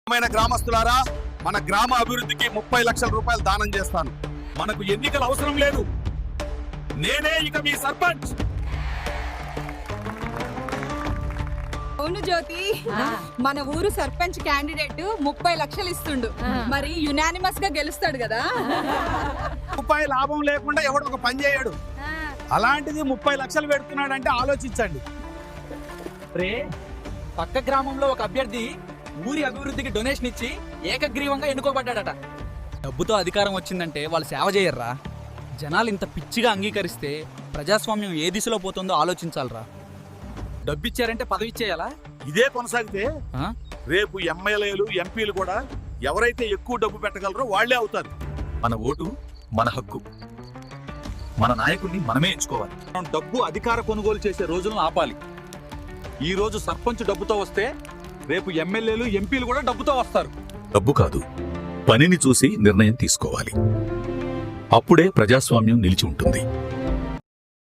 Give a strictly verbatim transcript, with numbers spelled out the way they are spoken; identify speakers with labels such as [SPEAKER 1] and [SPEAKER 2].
[SPEAKER 1] గ్రామస్తులారా, మన గ్రామ అభివృద్ధికి ముప్పై లక్షల రూపాయలు దానం చేస్తాను. మనకు ఎన్నికలు అవసరం లేదు, నేనే ఇక మీ సర్పంచ్.
[SPEAKER 2] అవును జ్యోతి, మన ఊరు సర్పంచ్ క్యాండిడేట్ ముప్పై లక్షలు ఇస్తుండు. మరి యునానిమస్ గా గెలుస్తాడు కదా.
[SPEAKER 1] రూపాయి లాభం లేకుండా ఎవడు ఒక పని చేయడు. అలాంటిది ముప్పై లక్షలు పెడుతున్నాడంటే ఆలోచించండి.
[SPEAKER 3] రే, పక్క గ్రామంలో ఒక అభ్యర్థి ఊరి అభివృద్ధికి డొనేషన్ ఇచ్చి ఏకగ్రీవంగా ఎన్నుకోబడ్డాడట. డబ్బుతో అధికారం వచ్చిందంటే వాళ్ళు సేవ చేయర్రా. జనాలు ఇంత పిచ్చిగా అంగీకరిస్తే ప్రజాస్వామ్యం ఏ దిశలో పోతుందో ఆలోచించాలరా. డబ్బిచ్చారంటే పదవి ఇచ్చేయాలా?
[SPEAKER 1] ఇదే కొనసాగితే రేపు ఎమ్మెల్యేలు ఎంపీలు కూడా ఎవరైతే ఎక్కువ డబ్బు పెట్టగలరో వాళ్లే అవుతారు.
[SPEAKER 4] మన ఓటు మన హక్కు, మన నాయకుడిని మనమే ఎంచుకోవాలి.
[SPEAKER 1] మనం డబ్బు అధికార కొనుగోలు చేసే రోజులను ఆపాలి. ఈ రోజు సర్పంచ్ డబ్బుతో వస్తే రేపు ఎమ్మెల్యేలు ఎంపీలు కూడా డబ్బుతో వస్తారు.
[SPEAKER 4] డబ్బు కాదు, పనిని చూసి నిర్ణయం తీసుకోవాలి. అప్పుడే ప్రజాస్వామ్యం నిలిచి ఉంటుంది.